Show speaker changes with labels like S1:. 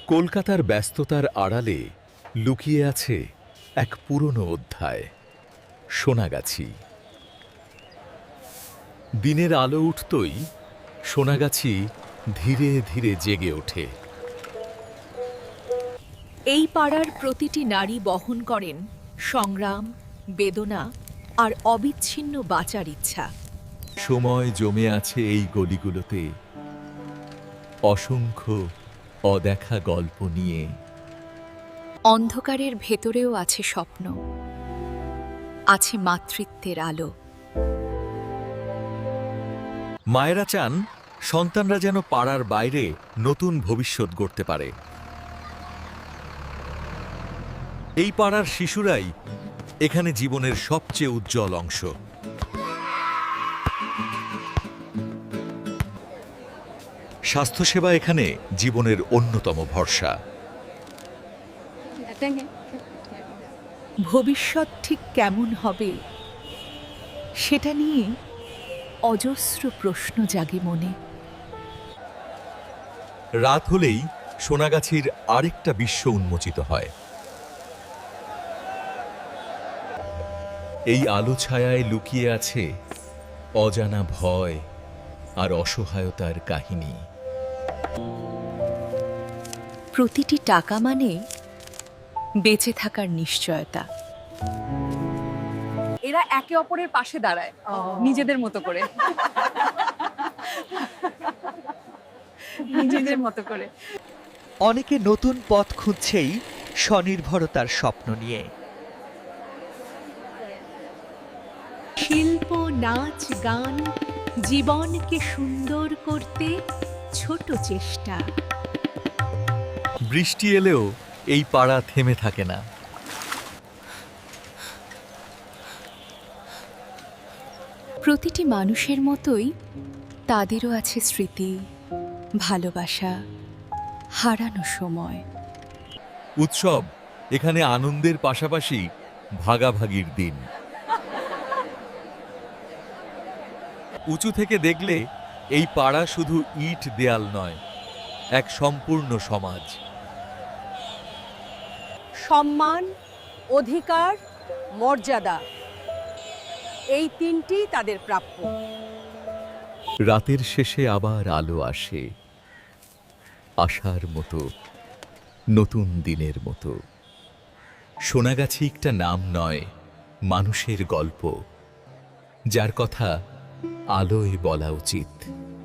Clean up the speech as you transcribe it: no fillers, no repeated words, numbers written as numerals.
S1: কলকাতার ব্যস্ততার আড়ালে লুকিয়ে আছে এক পুরনো অধ্যায়, সোনাগাছি। দিনের আলো উঠতই সোনাগাছি ধীরে ধীরে জেগে ওঠে।
S2: এই পাড়ার প্রতিটি নারী বহন করেন সংগ্রাম, বেদনা আর অবিচ্ছিন্ন বাঁচার ইচ্ছা।
S1: সময় জমে আছে এই গলিগুলোতে, অসংখ্য অদেখা গল্প নিয়ে।
S2: অন্ধকারের ভেতরেও আছে স্বপ্ন, আছে মাতৃত্বের আলো।
S1: মায়েরা চান সন্তানরা যেন পাড়ার বাইরে নতুন ভবিষ্যৎ গড়তে পারে। এই পাড়ার শিশুরাই এখানে জীবনের সবচেয়ে উজ্জ্বল অংশ। স্বাস্থ্যসেবা এখানে জীবনের অন্যতম ভরসা।
S2: ভবিষ্যৎ ঠিক কেমন হবে সেটা নিয়ে অজস্র প্রশ্ন জাগে মনে।
S1: রাত হলেই সোনাগাছির আরেকটা বিশ্ব উন্মোচিত হয়। এই আলো ছায়ায় লুকিয়ে আছে অজানা ভয় আর অসহায়তার কাহিনী।
S2: প্রতিটি টাকা মানে বেঁচে থাকার নিশ্চয়তা।
S3: এরা একে অপরের পাশে দাঁড়ায় নিজেদের মতো করে, নিজেদের মতো করে।
S4: অনেকে নতুন পথ খুঁজছেই স্বনির্ভরতার স্বপ্ন নিয়ে।
S2: শিল্প, নাচ, গান জীবনকে সুন্দর করতে ছোট চেষ্টা।
S1: বৃষ্টি এলেও এই পাড়া থেমে থাকে না।
S2: প্রতিটি মানুষের মতোই তাদেরও আছে স্মৃতি, ভালোবাসা, হারানো সময়।
S1: উৎসব এখানে আনন্দের পাশাপাশি ভাগাভাগির দিন। উঁচু থেকে দেখলে এই পাড়া শুধু ইট দেয়াল নয়, এক সম্পূর্ণ সমাজ।
S3: সম্মান, অধিকার, মর্যাদা, এই তিনটি তাদের প্রাপ্য।
S1: রাতের শেষে আবার আলো আসে, আশার মতো, নতুন দিনের মতো। সোনাগাছি একটা নাম নয়, মানুষের গল্প, যার কথা আলোয় বলা উচিত।